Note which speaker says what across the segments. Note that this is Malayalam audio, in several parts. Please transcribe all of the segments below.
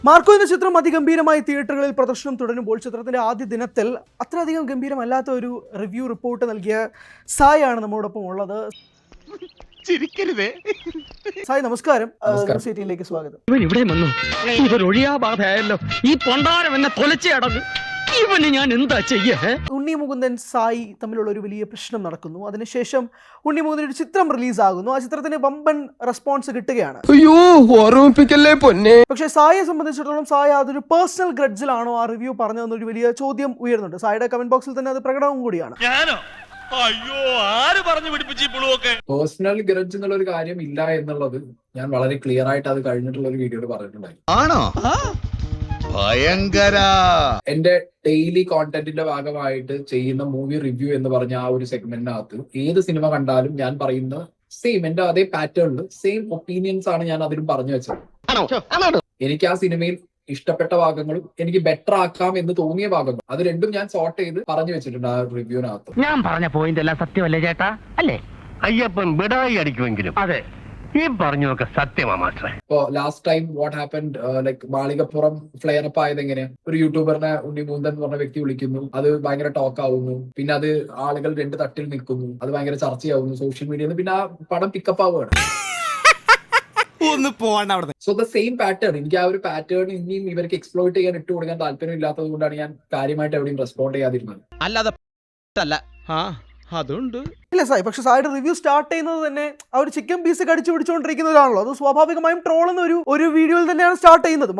Speaker 1: മാർക്കോ എന്ന ചിത്രം അതിഗംഭീരമായി തിയേറ്ററുകളിൽ പ്രദർശനം തുടരുമ്പോൾ ചിത്രത്തിന്റെ ആദ്യ ദിനത്തിൽ അത്രയധികം ഗംഭീരമല്ലാത്ത ഒരു റിവ്യൂ റിപ്പോർട്ട് നൽകിയ സായ് ആണ് നമ്മോടൊപ്പം ഉള്ളത്. സായ് നമസ്കാരം, സിറ്റിയിലേക്ക് സ്വാഗതം.
Speaker 2: ഇവൻ ഇവിടെ വന്നു, ഇതൊരു ഒഴിയാബാധയായല്ലോ. ഈ പൊണ്ടാരം എന്നെ തൊലച്ചേ അടങ്ങ്. ഇവന് ഞാൻ എന്താ ചെയ്യേ?
Speaker 1: ഉണ്ണി മുകുന്ദൻ സായി തമ്മിലുള്ള ഒരു വലിയ പ്രശ്നം നടക്കുന്നു. അതിനുശേഷം ഉണ്ണി മുകുന്ദൻ ഒരു ചിത്രം റിലീസാകുന്നു. ആ ചിത്രത്തിന് വമ്പൻ റെസ്പോൺസ് കിട്ടുകയാണ്.
Speaker 3: അയ്യോ, ഓർമ്മിപ്പിക്കല്ലേ പൊന്നെ.
Speaker 1: പക്ഷേ സായിയെ സംബന്ധിച്ചിടത്തോളം സായി അതൊരു പേഴ്സണൽ ഗ്രഡ്ജിലാണോ ആ റിവ്യൂ പറഞ്ഞതെന്നൊരു വലിയ ചോദ്യം ഉയരുന്നുണ്ട്. സായിയുടെ കമന്റ് ബോക്സിൽ തന്നെ അത് പ്രകടവും കൂടിയാണ്.
Speaker 4: അയ്യോ, ആര് പറഞ്ഞു പിടിപ്പിച്ചു?
Speaker 5: പേഴ്സണൽ ഗ്രഡ്ജ് എന്നുള്ള ഒരു കാര്യം ഇല്ല എന്നുള്ളത് ഞാൻ വളരെ ക്ലിയർ ആയിട്ട് അത് കഴിഞ്ഞിട്ടുള്ള ഒരു വീഡിയോയിൽ പറഞ്ഞിട്ടുണ്ടായി.
Speaker 4: ആണോ? ഭയങ്കര.
Speaker 5: എന്റെ ഡെയിലി കോണ്ടന്റിന്റെ ഭാഗമായിട്ട് ചെയ്യുന്ന മൂവി റിവ്യൂ എന്ന് പറഞ്ഞ ആ ഒരു സെഗ്മെന്റിനകത്ത് ഏത് സിനിമ കണ്ടാലും ഞാൻ പറയുന്ന സെയിം എന്റെ അതേ പാറ്റേണിൽ സെയിം ഒപ്പീനിയൻസ് ആണ് ഞാൻ അതിലും പറഞ്ഞു വെച്ചത്. എനിക്ക് ആ സിനിമയിൽ ഇഷ്ടപ്പെട്ട ഭാഗങ്ങളും എനിക്ക് ബെറ്റർ ആക്കാം എന്ന് തോന്നിയ ഭാഗങ്ങളും അത് രണ്ടും ഞാൻ സോർട്ട് ചെയ്ത് പറഞ്ഞു വെച്ചിട്ടുണ്ട് ആ റിവ്യൂവിനകത്ത്.
Speaker 2: ഞാൻ പറഞ്ഞ പോയിന്റ് എല്ലാം സത്യമല്ലേ ചേട്ടാ? അല്ലേ? അയ്യപ്പൻ ബിടായി അടിക്കുമെങ്കിലും അതെ, ഈ പറഞ്ഞൊക്കെ സത്യമാ മാസ്റ്റർ.
Speaker 5: ഇപ്പൊ last time what happened, like Malikappuram flare up ആയത് എങ്ങനെ? ഒരു യൂട്യൂബറിനെ ഉണ്ണി മുകുന്ദൻ എന്ന് പറഞ്ഞ വ്യക്തി വിളിക്കുന്നു, അത് ഭയങ്കര ടോക്ക് ആവുന്നു, പിന്നെ അത് ആളുകൾ രണ്ട് തട്ടിൽ നിൽക്കുന്നു, അത് ഭയങ്കര ചർച്ചയാവുന്നു സോഷ്യൽ മീഡിയയിൽ, പിന്നെ ആ പടം പിക്കപ്പ് ആവുകയാണ്. സോ ദ സെയിം പാറ്റേൺ, എനിക്ക് ആ ഒരു പാറ്റേൺ ഇനിയും ഇവർക്ക് എക്സ്പ്ലോയിറ്റ് ചെയ്യാൻ ഇട്ട് കൊടുക്കാൻ താല്പര്യം ഇല്ലാത്തത് കൊണ്ടാണ് ഞാൻ കാര്യമായിട്ട് എവിടെയും റെസ്പോണ്ട് ചെയ്യാതിരുന്നത്.
Speaker 3: അല്ലാതെ അതുണ്ട്
Speaker 1: ഇല്ല സായി, പക്ഷെ സായിയുടെ റിവ്യൂ സ്റ്റാർട്ട് ചെയ്യുന്നത് തന്നെ ആ ഒരു ചിക്കൻ പീസ് കടിച്ചു പിടിച്ചുകൊണ്ടിരിക്കുന്നതാണല്ലോ. അത് സ്വാഭാവികമായും ട്രോൾ എന്ന ഒരു വീഡിയോയിൽ തന്നെയാണ് സ്റ്റാർട്ട് ചെയ്യുന്നത്.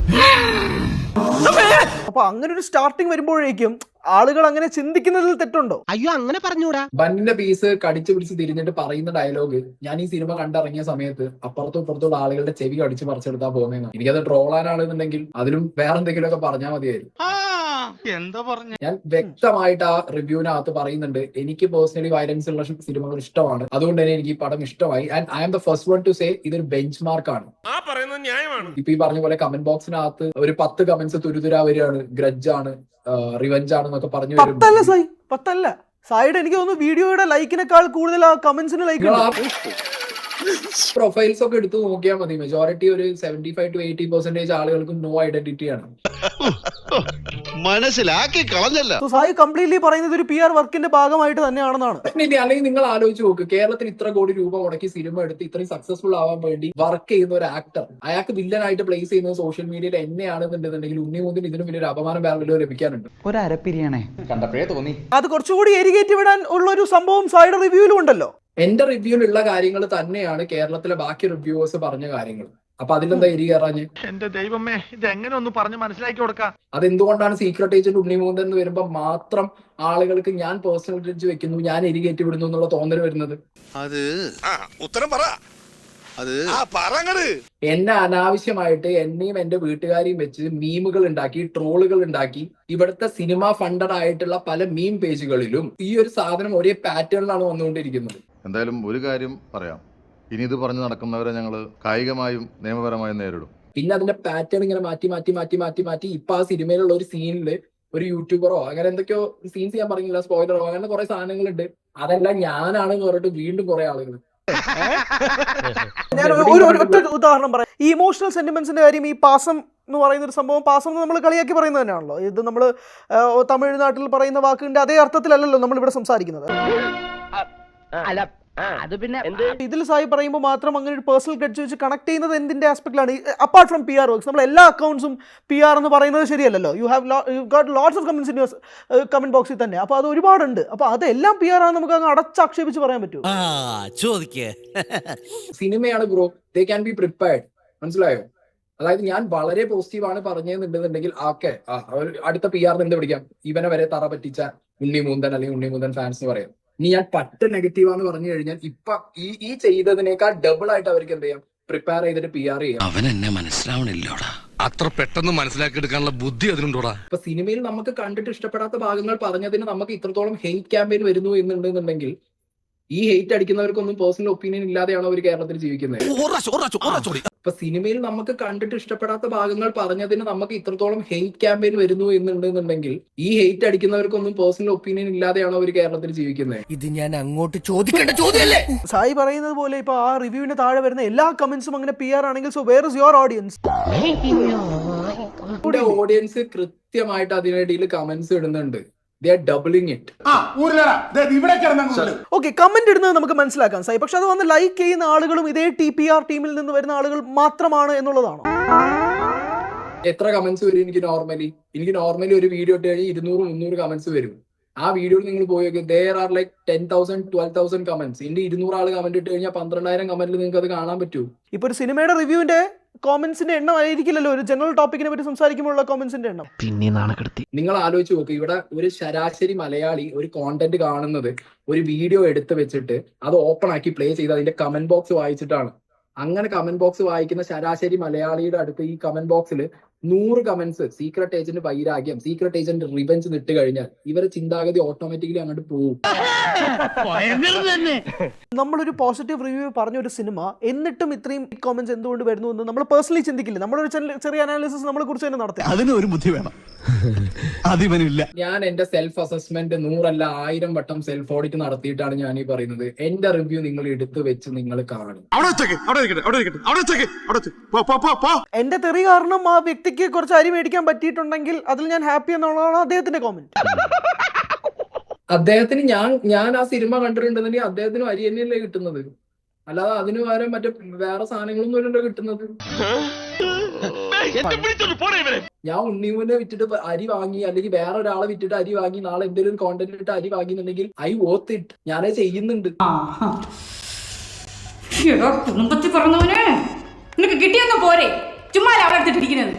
Speaker 1: അപ്പൊ അങ്ങനെ ഒരു സ്റ്റാർട്ടിങ് വരുമ്പോഴേക്കും ആളുകൾ അങ്ങനെ ചിന്തിക്കുന്നതിൽ തെറ്റുണ്ടോ?
Speaker 3: അയ്യോ, അങ്ങനെ പറഞ്ഞൂടാ.
Speaker 5: ബന്നിന്റെ പീസ് കടിച്ചു പിടിച്ച് തിരിഞ്ഞിട്ട് പറയുന്ന ഡയലോഗ് ഞാൻ ഈ സിനിമ കണ്ടിറങ്ങിയ സമയത്ത് അപ്പുറത്തും ഇപ്പുറത്തുള്ള ആളുകളുടെ ചെവി കടിച്ച് പറിച്ചെടുത്താ പോകുന്നതെന്ന്. എനിക്കത് ട്രോളാനാണെന്നുണ്ടെങ്കിൽ അതിലും വേറെ എന്തെങ്കിലുമൊക്കെ പറഞ്ഞാൽ മതിയായിരുന്നു.
Speaker 4: എന്താ പറഞ്ഞ?
Speaker 5: ഞാൻ വ്യക്തമായിട്ട് ആ റിവ്യൂവിനകത്ത് പറയുന്നുണ്ട്, എനിക്ക് പേഴ്സണലി വയലൻസ് ഉള്ള സിനിമകൾ ഇഷ്ടമാണ്, അതുകൊണ്ട് തന്നെ എനിക്ക് ഈ പടം ഇഷ്ടമായി. And I am the first one to say ഇതൊരു ബെഞ്ച് മാർക്കാണ്. ഇപ്പൊ ഈ പറഞ്ഞ പോലെ കമന്റ് ബോക്സിനകത്ത് ഒരു 10 കമന്റ്സ് തുരുതുരാ വരികയാണ്, ഗ്രഡ്ജ് ആണ്, റിവെഞ്ച് ആണെന്നൊക്കെ പറഞ്ഞു വരും.
Speaker 1: 10 അല്ല സായി, 10 അല്ല. സായിയുടെ എനിക്ക് തോന്നുന്നു വീഡിയോയുടെ ലൈക്കിനേക്കാൾ കൂടുതൽ ആ കമന്റ്സിന് ലൈക്ക്.
Speaker 5: പ്രൊഫൈൽസ് ഒക്കെ എടുത്ത് നോക്കിയാൽ മതി, മെജോറിറ്റി ഒരു 75 to 80% ആളുകൾക്ക് നോ ഐഡന്റിറ്റി ആണ്.
Speaker 4: മനസ്സിലാക്കി കളഞ്ഞല്ല.
Speaker 1: സായി കംപ്ലീറ്റ്ലി പറയുന്നത് ഒരു PR വർക്കിന്റെ ഭാഗമായിട്ട് തന്നെയാണെന്നാണ്.
Speaker 5: അല്ലെങ്കിൽ നിങ്ങൾ ആലോചിച്ച് നോക്ക്, കേരളത്തിൽ ഇത്ര കോടി രൂപ മുടക്കി സിനിമ എടുത്ത് ഇത്രയും സക്സസ്ഫുൾ ആവാൻ വേണ്ടി വർക്ക് ചെയ്യുന്ന ഒരു ആക്ടർ, അയാൾക്ക് വില്ലനായിട്ട് പ്ലേസ് ചെയ്യുന്നത് സോഷ്യൽ മീഡിയയിൽ എന്നെയാണെന്നുണ്ടെന്നുണ്ടെങ്കിൽ ഉണ്ണി മുകുന്ദൻ ഇതിനും വലിയൊരു അപമാനം വേറെ ലഭിക്കാനുണ്ട്.
Speaker 3: ഒരു അരപ്പിരിയാണേ കണ്ടപ്പോഴേ തോന്നി.
Speaker 1: അത് കുറച്ചുകൂടി എരികേറ്റി വിടാൻ ഉള്ള ഒരു സംഭവം സായിയുടെ റിവ്യൂവിലും ഉണ്ടല്ലോ.
Speaker 5: എന്റെ റിവ്യൂവിലുള്ള കാര്യങ്ങൾ തന്നെയാണ് കേരളത്തിലെ ബാക്കി റിവ്യൂവേഴ്സ് പറഞ്ഞ കാര്യങ്ങൾ. അപ്പൊ അതിലെന്താ എരി കയറാഞ്ഞ്?
Speaker 4: എന്റെ ദൈവമേ, ഇത് എങ്ങനെ ഒന്ന് പറഞ്ഞ് മനസ്സിലാക്കി കൊടുക്കാം?
Speaker 5: അതെന്തുകൊണ്ടാണ് സീക്രട്ട് ഏജന്റ് ഉണ്ണി മുകുന്ദൻ എന്ന് വരുമ്പോ മാത്രം ആളുകൾക്ക് ഞാൻ പേഴ്സണൽ ഗ്രഡ്ജ് വെക്കുന്നു, ഞാൻ എരി കയറ്റി വിടുന്നു എന്നുള്ള തോന്നൽ വരുന്നത്?
Speaker 4: അത് ഉത്തരം പറ. അത്
Speaker 5: എന്നെ അനാവശ്യമായിട്ട് എന്നെയും എന്റെ വീട്ടുകാരെയും വെച്ച് മീമുകൾ ഉണ്ടാക്കി, ട്രോളുകൾ ഉണ്ടാക്കി, ഇവിടുത്തെ സിനിമ ഫണ്ടഡ് ആയിട്ടുള്ള പല മീം പേജുകളിലും ഈ ഒരു സാധനം ഒരേ പാറ്റേണിലാണ് വന്നുകൊണ്ടിരിക്കുന്നത്.
Speaker 6: എന്തായാലും ഒരു കാര്യം പറയാം, ഇനി ഇത് പറഞ്ഞു നടക്കുന്നവരെ ഞങ്ങൾ കായികമായും നിയമപരമായും നേരിടും.
Speaker 5: പിന്നെ അതിന്റെ പാറ്റേൺ ഇങ്ങനെ മാറ്റി മാറ്റി മാറ്റി മാറ്റി മാറ്റി ഇപ്പൊ ആ സിനിമയിലുള്ള ഒരു സീനില് ഒരു യൂട്യൂബറോ അങ്ങനെ എന്തൊക്കെയോ സീൻസ് ഞാൻ പറഞ്ഞില്ല, സ്പോയിലറോ, അങ്ങനെ കുറെ സാധനങ്ങളുണ്ട്, അതെല്ലാം ഞാനാണെന്ന് പറഞ്ഞിട്ട് വീണ്ടും കുറെ ആളുകൾ.
Speaker 1: ഞാൻ ഒരു ഒറ്റ ഉദാഹരണം പറയാം. ഈ ഇമോഷണൽ സെന്റിമെന്റ്സിന്റെ കാര്യം, ഈ പാസം എന്ന് പറയുന്ന ഒരു സംഭവം, പാസം നമ്മൾ കളിയാക്കി പറയുന്നത് തന്നെയാണല്ലോ. ഇത് നമ്മൾ തമിഴ്നാട്ടിൽ പറയുന്ന വാക്കിന്റെ അതേ അർത്ഥത്തിലല്ലല്ലോ നമ്മൾ ഇവിടെ സംസാരിക്കുന്നത്.
Speaker 2: അത് പിന്നെ
Speaker 1: ഇതിൽ സായി പറയുമ്പോൾ മാത്രം അങ്ങനെ ഒരു പേഴ്സണൽ ഗ്രഡ്ജ് വെച്ച് കണക്ട് ചെയ്യുന്നത് എന്തിന്റെ ആസ്പെക്റ്റിലാണ്? അപ്പാർട്ട് ഫ്രം PR വർക്ക്സ്, നമ്മൾ എല്ലാ അക്കൗണ്ട്സും PR എന്ന് പറയുന്നത് ശരിയല്ലല്ലോ. You got lots of comments in your comment ബോക്സിൽ തന്നെ. അപ്പോൾ അത് ഒരുപാടുണ്ട്. അപ്പോൾ അതെല്ലാം PR ആണ് നമുക്ക് അങ്ങ് അടച്ചാക്ഷേപിച്ച് പറയാൻ പറ്റുമോ?
Speaker 5: സിനിമയാണ് bro, they can be prepared. മനസ്സിലായോ? അതായത് ഞാൻ വളരെ പോസിറ്റീവാണ് പറഞ്ഞതെന്നുണ്ടെന്നുണ്ടെങ്കിൽ ഓക്കെ, അടുത്ത PR എന്ത് പിടിക്കാം, ഇവനെ വരെ തറ പറ്റിച്ച ഉണ്ണി മുകുന്ദൻ അല്ലെങ്കിൽ ഉണ്ണി മുകുന്ദൻ ഫാൻസ് എന്ന് പറയാം. ഇനി ഞാൻ പറ്റ നെഗറ്റീവാന്ന് പറഞ്ഞു കഴിഞ്ഞാൽ ഇപ്പൊ ഈ ചെയ്തതിനേക്കാൾ ഡബിൾ ആയിട്ട് അവർക്ക് എന്ത് ചെയ്യാം, പ്രിപ്പയർ ചെയ്തിട്ട് PR ചെയ്യാം.
Speaker 7: അവൻ എന്നെ മനസ്സിലാവണില്ലോടാ, അത്ര പെട്ടെന്ന് മനസ്സിലാക്കി എടുക്കാനുള്ള ബുദ്ധി അതിനുണ്ടോടാ.
Speaker 5: ഇപ്പൊ സിനിമയിൽ നമുക്ക് കണ്ടിട്ട് ഇഷ്ടപ്പെടാത്ത ഭാഗങ്ങൾ പറഞ്ഞതിന് നമുക്ക് ഇത്രത്തോളം ഹെയ്റ്റ് ക്യാമ്പയിൻ വരുന്നു എന്നുണ്ടെന്നുണ്ടെങ്കിൽ ഈ ഹെയ്റ്റ് അടിക്കുന്നവർക്കൊന്നും പേഴ്സണൽ ഒപ്പീനിയൻ ഇല്ലാതെയാണ് അവർ കേരളത്തിൽ ജീവിക്കുന്നത്. ഇപ്പൊ സിനിമയിൽ നമുക്ക് കണ്ടിട്ട് ഇഷ്ടപ്പെടാത്ത ഭാഗങ്ങൾ പറഞ്ഞതിന് നമുക്ക് ഇത്രത്തോളം ഹെയ്റ്റ് ക്യാമ്പയിൻ വരുന്നു എന്നുണ്ടെന്നുണ്ടെങ്കിൽ ഈ ഹെയ്റ്റ് അടിക്കുന്നവർക്കൊന്നും പേഴ്സണൽ ഒപ്പീനിയൻ ഇല്ലാതെയാണ് അവർ കേരളത്തിൽ ജീവിക്കുന്നത്.
Speaker 3: ഇത് ഞാൻ അങ്ങോട്ട് ചോദിക്കേണ്ട ചോദ്യമല്ലേ?
Speaker 1: സായി പറയുന്നത് പോലെ ഇപ്പൊ ആ റിവ്യൂവിന് താഴെ വരുന്ന എല്ലാ കമന്റ്സും അങ്ങനെ PR ആണെങ്കിൽ so where is your audience?
Speaker 5: Audience കൃത്യമായിട്ട് അതിനിടയിൽ കമന്റ്സ് ഇടുന്നുണ്ട്. They are doubling it.
Speaker 1: Okay, comment ഇടുന്നത് നമുക്ക് മനസ്സിലാക്കാം സായി, പക്ഷെ അത് വന്ന് ലൈക്ക് ചെയ്യുന്ന ആളുകളും ഇതേ TPR ടീമിൽ നിന്ന് വരുന്ന ആളുകൾ മാത്രമാണ് എന്നുള്ളതാണോ?
Speaker 5: എത്ര കമന്റ്സ് വരും? എനിക്ക് നോർമലി ഒരു വീഡിയോ ഇട്ട് കഴിഞ്ഞാൽ 200-300 കമന്റ്സ് വരും. ആ വീഡിയോയിൽ നിങ്ങൾ പോയി നോക്കി, there are like 10,000-12,000 കമന്റ്സ്. ഇതിന്റെ 200 ആൾ കമന്റ് ഇട്ട് കഴിഞ്ഞാൽ 12,000 കമന്റിൽ നിങ്ങൾക്ക് അത് കാണാൻ പറ്റൂ.
Speaker 1: ഇപ്പൊ ഒരു സിനിമയുടെ റിവ്യൂവിന്റെ കോമന്റ്സിന്റെ എണ്ണം ആയിരിക്കില്ലല്ലോ ഒരു ജനറൽ ടോപ്പിക്കിനെ പറ്റി സംസാരിക്കുമ്പോഴുള്ള കോമന്റ്സിന്റെ എണ്ണം.
Speaker 3: പിന്നെ നാണക്കെടുത്തി.
Speaker 5: നിങ്ങൾ ആലോചിച്ച് നോക്ക്, ഇവിടെ ഒരു ശരാശരി മലയാളി ഒരു കോണ്ടന്റ് കാണുന്നത് ഒരു വീഡിയോ എടുത്ത് വെച്ചിട്ട് അത് ഓപ്പൺ ആക്കി പ്ലേ ചെയ്ത് അതിന്റെ കമന്റ് ബോക്സ് വായിച്ചിട്ടാണ്. അങ്ങനെ കമന്റ് ബോക്സ് വായിക്കുന്ന ശരാശരി മലയാളിയുടെ അടുത്ത് ഈ കമന്റ് ബോക്സിൽ 100 കമന്റ്സ് സീക്രട്ട് ഏജന്റ് വൈരാഗ്യം, സീക്രട്ട് ഏജന്റ് റിവെഞ്ച് നിട്ട് കഴിഞ്ഞാൽ ഇവരെ ചിന്താഗതി ഓട്ടോമാറ്റിക്കലി അങ്ങോട്ട് പോകും.
Speaker 1: നമ്മളൊരു പോസിറ്റീവ് റിവ്യൂ പറഞ്ഞ ഒരു സിനിമ എന്നിട്ടും ഇത്രയും കോമന്റ്സ് എന്തുകൊണ്ട് വരുന്നു എന്ന് നമ്മൾ പേഴ്സണലി ചിന്തിക്കില്ല. നമ്മളൊരു ചെറിയ അനാലിസിസ് നമ്മളെ കുറിച്ച് തന്നെ നടത്തി.
Speaker 7: അതിന് ഒരു ബുദ്ധി വേണം, അതിവനില്ല.
Speaker 5: ഞാൻ എന്റെ സെൽഫ് അസസ്മെന്റ് 100 അല്ല 1000 വട്ടം സെൽഫ് ഓഡിറ്റ് നടത്തിയിട്ടാണ് ഞാൻ ഈ പറയുന്നത്. എന്റെ റിവ്യൂ നിങ്ങൾ എടുത്തു വെച്ച് നിങ്ങൾ കാണും.
Speaker 1: എന്റെ തെറി കാരണം ആ വ്യക്തിക്ക് കുറച്ച് അരി മേടിക്കാൻ പറ്റിയിട്ടുണ്ടെങ്കിൽ അതിൽ ഞാൻ ഹാപ്പി എന്നുള്ളതാണ് അദ്ദേഹത്തിന്റെ കോമന്റ്.
Speaker 5: അദ്ദേഹത്തിന് ഞാൻ ആ സിനിമ കണ്ടിട്ടുണ്ടെന്നുണ്ടെങ്കിൽ അദ്ദേഹത്തിന് അരി തന്നെയല്ലേ കിട്ടുന്നത്, അല്ലാതെ അതിന് പകരം മറ്റേ വേറെ സാധനങ്ങളൊന്നും അല്ലല്ലോ കിട്ടുന്നത്. ഞാൻ ഉണ്ണിമുനെ വിറ്റിട്ട് അരി വാങ്ങി, അല്ലെങ്കിൽ വേറെ ഒരാളെ വിറ്റിട്ട് അരി വാങ്ങി, നാളെ എന്തെങ്കിലും കോണ്ടന്റ് ഇട്ട് അരി വാങ്ങിയിട്ടുണ്ടെങ്കിൽ ഐ വോത്ത് ഇറ്റ്, ഞാനത് ചെയ്യുന്നുണ്ട്.
Speaker 8: കുടുംബത്തിൽ പറഞ്ഞവനെ നിനക്ക് കിട്ടിയൊന്നും പോരെ, ചുമ്മാ അവിടെ എടുത്തിട്ടിരിക്കുന്നത്.